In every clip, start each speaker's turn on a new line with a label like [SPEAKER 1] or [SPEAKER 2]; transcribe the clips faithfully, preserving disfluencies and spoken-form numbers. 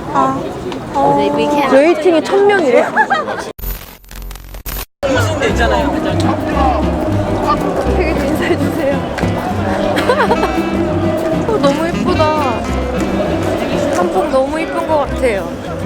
[SPEAKER 1] 아, 어... 웨이팅이 천 명이래?
[SPEAKER 2] 무슨 데 있잖아요.
[SPEAKER 1] 되게 인사해주세요. 어, 너무 예쁘다. 한복 너무 예쁜 것 같아요.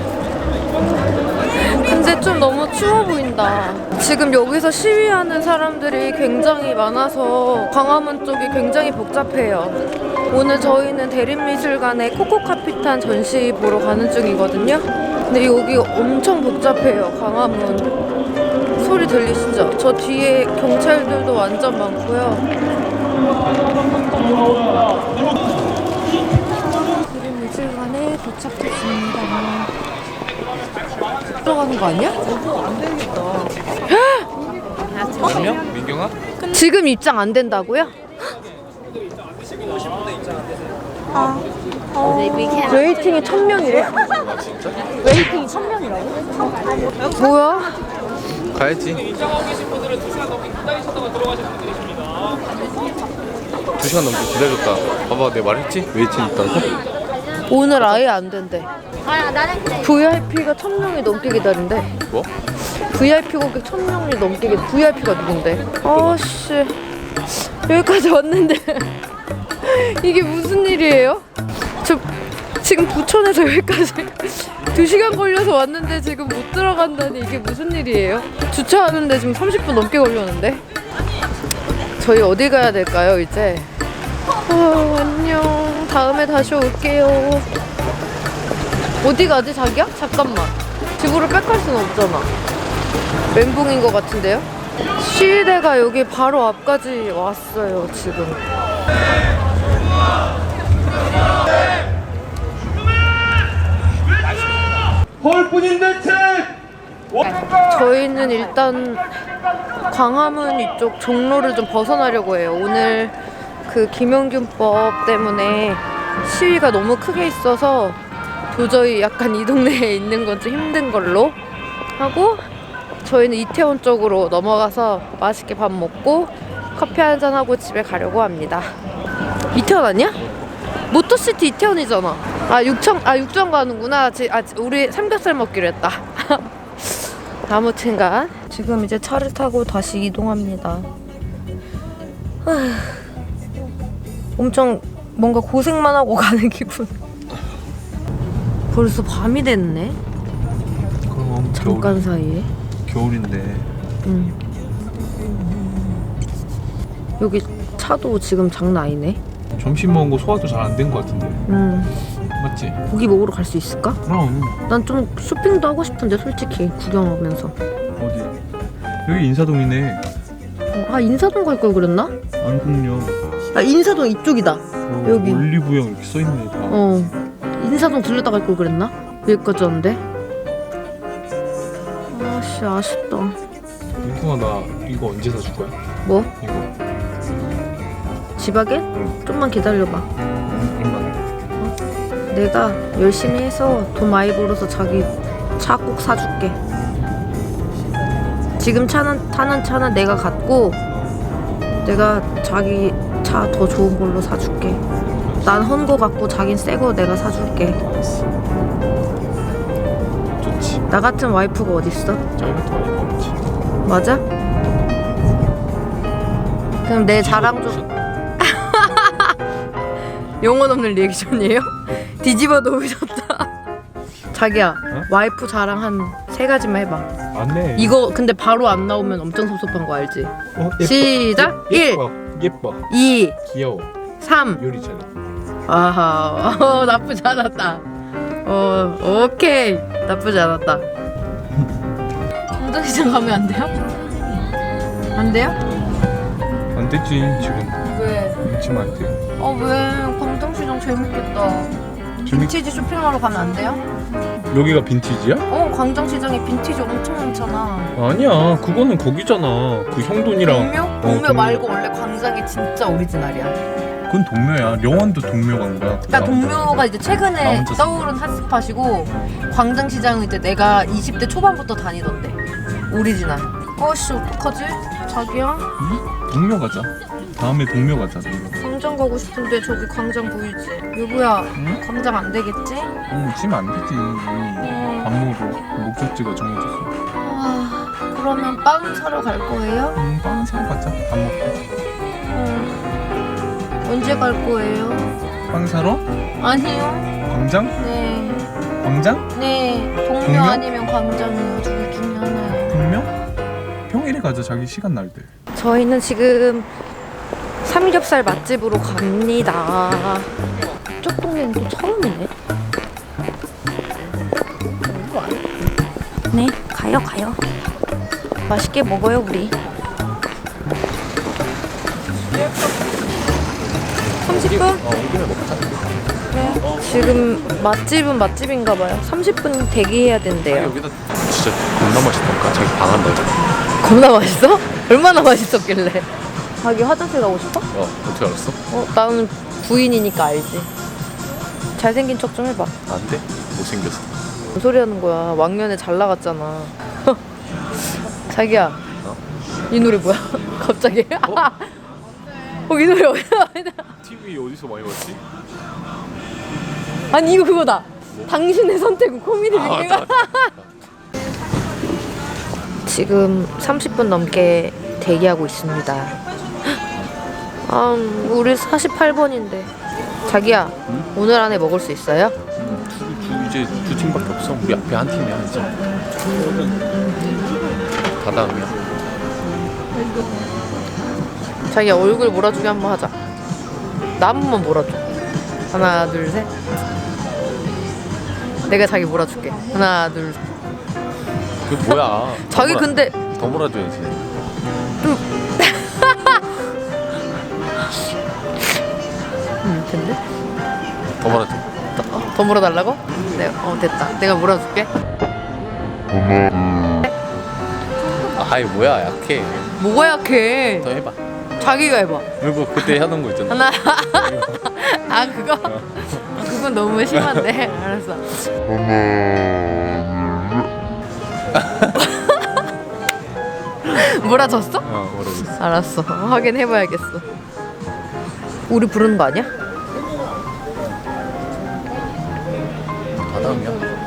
[SPEAKER 1] 근데 좀 너무 추워 보인다. 지금 여기서 시위하는 사람들이 굉장히 많아서 광화문 쪽이 굉장히 복잡해요. 오늘 저희는 대림미술관에 코코카피탄 전시 보러 가는 중이거든요. 근데 여기 엄청 복잡해요. 광화문. 소리 들리시죠? 저 뒤에 경찰들도 완전 많고요. 대림미술관에 도착했습니다. 들어가는 거 아니야?
[SPEAKER 2] 안 되겠다.
[SPEAKER 3] 안녕? 민경아?
[SPEAKER 1] 지금 입장 안 된다고요? 아, 어... 웨이팅이 천 명이래? 웨이팅이 천 명이라고? 뭐야?
[SPEAKER 3] 가야지. 두 시간 넘게 기다렸다. 봐봐, 내가 말했지? 웨이팅 있다고?
[SPEAKER 1] 오늘 아예 안 된대. 브이아이피가 천 명이 넘게 기다린대.
[SPEAKER 3] 뭐?
[SPEAKER 1] 브이아이피 고객 천 명이 넘게 기다려. 브이아이피가 누군데? 아씨, 여기까지 왔는데 이게 무슨 일이에요? 저 지금 부천에서 여기까지 두 시간 걸려서 왔는데 지금 못 들어간다니 이게 무슨 일이에요? 주차하는데 지금 삼십 분 넘게 걸렸는데? 저희 어디 가야 될까요 이제? 어, 안녕. 다음에 다시 올게요. 어디 가지 자기야? 잠깐만. 집으로 빽할 수는 없잖아. 멘붕인 것 같은데요? 시위대가 여기 바로 앞까지 왔어요 지금.
[SPEAKER 4] 홀뿐인 대책!
[SPEAKER 1] 저희는 일단 광화문 이쪽 종로를 좀 벗어나려고 해요. 오늘 그 김용균법 때문에 시위가 너무 크게 있어서 도저히 약간 이 동네에 있는 건 좀 힘든 걸로 하고, 저희는 이태원 쪽으로 넘어가서 맛있게 밥 먹고 커피 한잔 하고 집에 가려고 합니다. 이태원 아니야? 모터시티 이태원이잖아. 아 육천, 아 육천 가는구나. 지, 아 우리 삼겹살 먹기로 했다. 아무튼간 지금 이제 차를 타고 다시 이동합니다. 하... 엄청 뭔가 고생만 하고 가는 기분. 벌써 밤이 됐네.
[SPEAKER 3] 그럼
[SPEAKER 1] 잠깐
[SPEAKER 3] 겨울,
[SPEAKER 1] 사이에.
[SPEAKER 3] 겨울인데.
[SPEAKER 1] 응. 여기 차도 지금 장난 아니네.
[SPEAKER 3] 점심 먹은 거 소화도 잘 안 된 거 같은데.
[SPEAKER 1] 응.
[SPEAKER 3] 맞지?
[SPEAKER 1] 고기 먹으러 갈 수 있을까?
[SPEAKER 3] 그럼.
[SPEAKER 1] 난 좀 쇼핑도 하고 싶은데 솔직히 구경하면서.
[SPEAKER 3] 어디? 여기 인사동이네.
[SPEAKER 1] 어, 아 인사동 갈 걸 그랬나?
[SPEAKER 3] 안국역.
[SPEAKER 1] 아 인사동 이쪽이다.
[SPEAKER 3] 어,
[SPEAKER 1] 여기.
[SPEAKER 3] 올리브영 이렇게 써있네 다.
[SPEAKER 1] 어. 인사동 들렸다 갈 걸 그랬나? 여기까지 왔는데. 아씨 아쉽다.
[SPEAKER 3] 민경아, 나 이거 언제 사줄 거야?
[SPEAKER 1] 뭐?
[SPEAKER 3] 이거.
[SPEAKER 1] 지바겐?
[SPEAKER 3] 응.
[SPEAKER 1] 좀만 기다려봐.
[SPEAKER 3] 얼마나?
[SPEAKER 1] 내가 열심히 해서 돈 많이 벌어서 자기 차 꼭 사줄게. 지금 차는 타는 차는 내가 갖고 내가 자기 차 더 좋은 걸로 사줄게. 난 헌 거 갖고 자긴 새 거 내가 사줄게.
[SPEAKER 3] 좋지.
[SPEAKER 1] 나 같은 와이프가 어딨어?
[SPEAKER 3] 짧은 와이프 없지.
[SPEAKER 1] 맞아? 그럼 내 자랑 좀. 영혼 없는 리액션이에요? 뒤집어 놓으셨다. 자기야,
[SPEAKER 3] 어?
[SPEAKER 1] 와이프 자랑 한 세 가지만 해봐.
[SPEAKER 3] 안네.
[SPEAKER 1] 이거 근데 바로 안 나오면 엄청 섭섭한 거 알지?
[SPEAKER 3] 어, 예뻐.
[SPEAKER 1] 시작!
[SPEAKER 3] 예,
[SPEAKER 1] 일,
[SPEAKER 3] 예뻐. 예뻐.
[SPEAKER 1] 이,
[SPEAKER 3] 귀여워.
[SPEAKER 1] 삼.
[SPEAKER 3] 요리 잘해.
[SPEAKER 1] 아하, 어, 나쁘지 않았다. 어, 오케이. 나쁘지 않았다. 광장시장 가면 안 돼요? 안 돼요?
[SPEAKER 3] 안 되지 지금.
[SPEAKER 1] 왜?
[SPEAKER 3] 지금 안 돼.
[SPEAKER 1] 어, 왜? 광장시장 재밌겠다. 빈티지 쇼핑하러 가면 안 돼요?
[SPEAKER 3] 여기가 빈티지야?
[SPEAKER 1] 어, 광장시장에 빈티지 엄청 많잖아.
[SPEAKER 3] 아니야, 그거는 거기잖아. 그 형돈이랑.
[SPEAKER 1] 동묘?
[SPEAKER 3] 어,
[SPEAKER 1] 동묘
[SPEAKER 3] 동묘.
[SPEAKER 1] 말고 원래 광장이 진짜 오리지널이야.
[SPEAKER 3] 그건 동묘야. 영원도 동묘 간 거야.
[SPEAKER 1] 그러니까 동묘가 이제
[SPEAKER 3] 나
[SPEAKER 1] 최근에
[SPEAKER 3] 혼자
[SPEAKER 1] 떠오른 핫스팟이고, 광장시장은 이제 내가 이십 대 초반부터 다니던데. 오리지널. 어씨 어떡하지? 자기야?
[SPEAKER 3] 응? 동묘 가자. 다음에 동묘 가자. 동묘.
[SPEAKER 1] 광장 가고 싶은데 저기 광장 보이지? 여보야,
[SPEAKER 5] 응?
[SPEAKER 1] 광장 안 되겠지?
[SPEAKER 5] 응, 지금 안 되지. 밥 먹으러 목적지가 정해졌어.
[SPEAKER 1] 아, 그러면 빵 사러 갈 거예요?
[SPEAKER 5] 응, 빵 사러 가자. 밥 먹고.
[SPEAKER 1] 응. 언제 갈 거예요?
[SPEAKER 5] 빵 사러?
[SPEAKER 1] 아니요.
[SPEAKER 5] 광장?
[SPEAKER 1] 네.
[SPEAKER 5] 광장?
[SPEAKER 1] 네. 동묘,
[SPEAKER 5] 동묘?
[SPEAKER 1] 아니면 광장이요. 둘 중에 하나요.
[SPEAKER 5] 분명? 평일에 가자. 자기 시간 날 때.
[SPEAKER 1] 저희는 지금 삼겹살 맛집으로 갑니다. 이쪽 동네는 또 처음이네. 네, 가요, 가요. 맛있게 먹어요, 우리. 삼십 분?
[SPEAKER 3] 어 오기면 먹자.
[SPEAKER 1] 네. 지금 맛집은 맛집인가 봐요. 삼십 분 대기해야 된대요.
[SPEAKER 3] 여기다 진짜 겁나 맛있다니까. 자기 방한다 이거.
[SPEAKER 1] 겁나 맛있어? 얼마나 맛있었길래? 자기 화장실 가고 싶어?
[SPEAKER 3] 어 어떻게 알았어?
[SPEAKER 1] 어, 나는 부인이니까 알지. 잘생긴 척 좀 해봐.
[SPEAKER 3] 안돼. 못생겼어.
[SPEAKER 1] 뭔 소리 하는 거야. 왕년에 잘 나갔잖아. 자기야.
[SPEAKER 3] 어?
[SPEAKER 1] 이 노래 뭐야? 갑자기? 어? 이 노래 어디서
[SPEAKER 3] 티비 어디서 많이 봤지?
[SPEAKER 1] 아니 이거 그거다. 당신의 선택은 코미디
[SPEAKER 3] 아,
[SPEAKER 1] 빅리가.
[SPEAKER 3] 맞다, 맞다.
[SPEAKER 1] 지금 삼십 분 넘게 대기하고 있습니다. 아, 우리 사십팔 번인데. 자기야,
[SPEAKER 3] 응?
[SPEAKER 1] 오늘 안에 먹을 수 있어요?
[SPEAKER 3] 음, 두, 두, 이제 두 팀밖에 없어. 우리 앞에 한 팀이야 이제. 다 다음이야.
[SPEAKER 1] 자기야, 얼굴 몰아주기 한번 하자. 나 한 번만 몰아줘. 하나, 둘, 셋. 내가 자기 몰아줄게. 하나, 둘, 셋.
[SPEAKER 3] 그 뭐야?
[SPEAKER 1] 자기
[SPEAKER 3] 더 몰아-
[SPEAKER 1] 근데
[SPEAKER 3] 더 몰아줘야지.
[SPEAKER 1] 음, 근데
[SPEAKER 3] 더 몰아줘.
[SPEAKER 1] 더, 어, 더 몰아달라고? 네, 어 됐다. 내가 몰아줄게.
[SPEAKER 3] 아이 뭐야 약해.
[SPEAKER 1] 뭐가 약해?
[SPEAKER 3] 더 해봐.
[SPEAKER 1] 자기가 해봐.
[SPEAKER 3] 이거 그때 하던 거 있잖아.
[SPEAKER 1] 하나. 아 그거? 그건 너무 심한데. 알았어. 몰아줬어?
[SPEAKER 3] 어 모르겠어.
[SPEAKER 1] 알았어. 확인해봐야겠어. 우리 부르는 거 아니야?
[SPEAKER 3] 다 다음이야.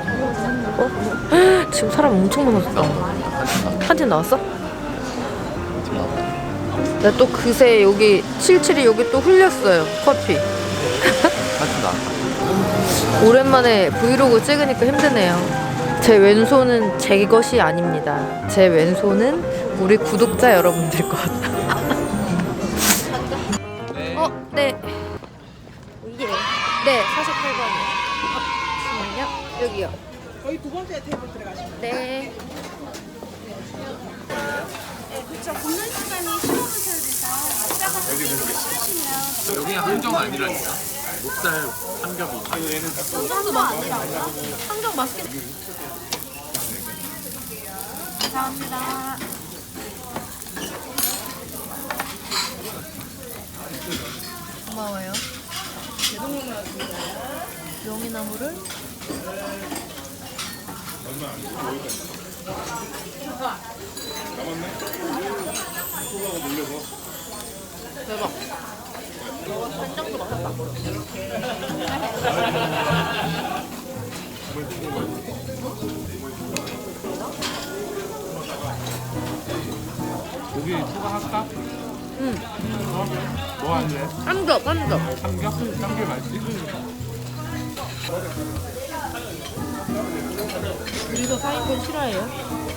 [SPEAKER 1] 어? 지금 사람 엄청 많았어. 한 팀 나왔어?
[SPEAKER 3] 지금 나와.
[SPEAKER 1] 나 또 그새 여기 칠칠이 여기 또 흘렸어요. 커피.
[SPEAKER 3] 한팀 나와.
[SPEAKER 1] 오랜만에 브이로그 찍으니까 힘드네요. 제 왼손은 제 것이 아닙니다. 제 왼손은 우리 구독자 여러분들 것. 어, 네. 예. 네, 사십팔 번이요. 어, 잠시만요. 여기요.
[SPEAKER 2] 거기 두 번째 테이블 들어가시면
[SPEAKER 1] 네.
[SPEAKER 6] 그렇죠. 굽는 시간이 십오 분 소요돼서 먹다가 끓이시면
[SPEAKER 3] 여기 한정 아니라니까. 목살 삼겹이.
[SPEAKER 1] 상정 아니라고요? 상정 맛있게.
[SPEAKER 6] 감사합니다.
[SPEAKER 1] 고마워요. 명이나무를 대박. 간장도 맛있다.
[SPEAKER 5] 고기 추가할까?
[SPEAKER 1] 응.
[SPEAKER 5] 뭐 할래?
[SPEAKER 1] 삼겹, 삼겹.
[SPEAKER 5] 삼겹? 삼겹 맛있지?
[SPEAKER 1] 우리도 사 인분 싫어해요?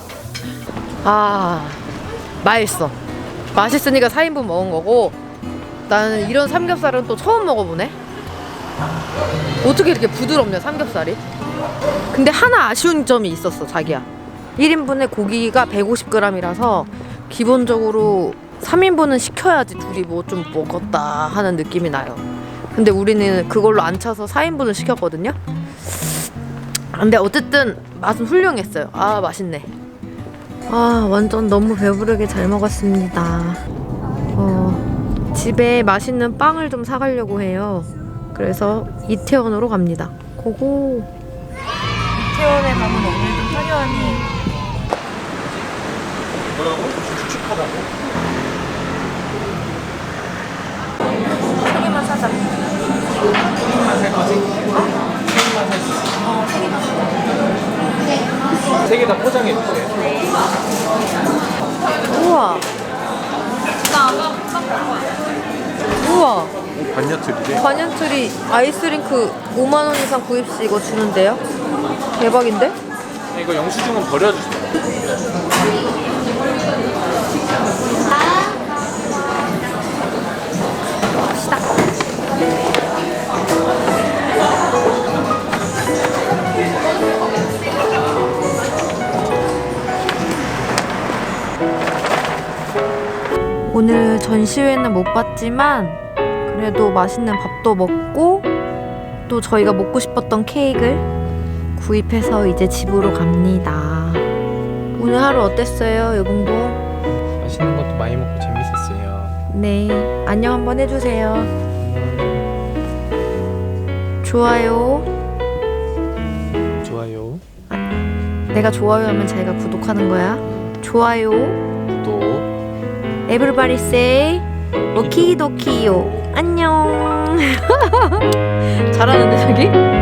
[SPEAKER 1] 아, 맛있어. 맛있으니까 사 인분 먹은 거고, 나는 이런 삼겹살은 또 처음 먹어보네. 어떻게 이렇게 부드럽냐, 삼겹살이? 근데 하나 아쉬운 점이 있었어, 자기야. 일 인분에 고기가 백오십 그램이라서 기본적으로 삼 인분은 시켜야지 둘이 뭐 좀 먹었다 하는 느낌이 나요. 근데 우리는 그걸로 안 차서 사 인분을 시켰거든요. 근데 어쨌든 맛은 훌륭했어요. 아, 맛있네. 아, 완전 너무 배부르게 잘 먹었습니다. 어, 집에 맛있는 빵을 좀 사가려고 해요. 그래서 이태원으로 갑니다. 고고. 이태원에 가면 오늘도 화려하니. 뭐라고? 축축하다고?
[SPEAKER 3] 세 개 다 포장해 주세요.
[SPEAKER 1] 우와. 우와.
[SPEAKER 3] 반야틀이래.
[SPEAKER 1] 반얀트리 아이스링크 오만 원 이상 구입 시 이거 주는데요? 대박인데?
[SPEAKER 3] 이거 영수증은 버려주세요.
[SPEAKER 1] 오늘 전시회는 못 봤지만 그래도 맛있는 밥도 먹고 또 저희가 먹고 싶었던 케이크를 구입해서 이제 집으로 갑니다. 오늘 하루 어땠어요, 여봉봉?
[SPEAKER 5] 맛있는 것도 많이 먹고 재밌었어요.
[SPEAKER 1] 네, 안녕 한번 해주세요. 좋아요.
[SPEAKER 5] 좋아요.
[SPEAKER 1] 내가 좋아요 하면 자기가 구독하는 거야. 좋아요.
[SPEAKER 5] 또
[SPEAKER 1] Everybody say 오키도키요. 안녕. 잘하는데 저기?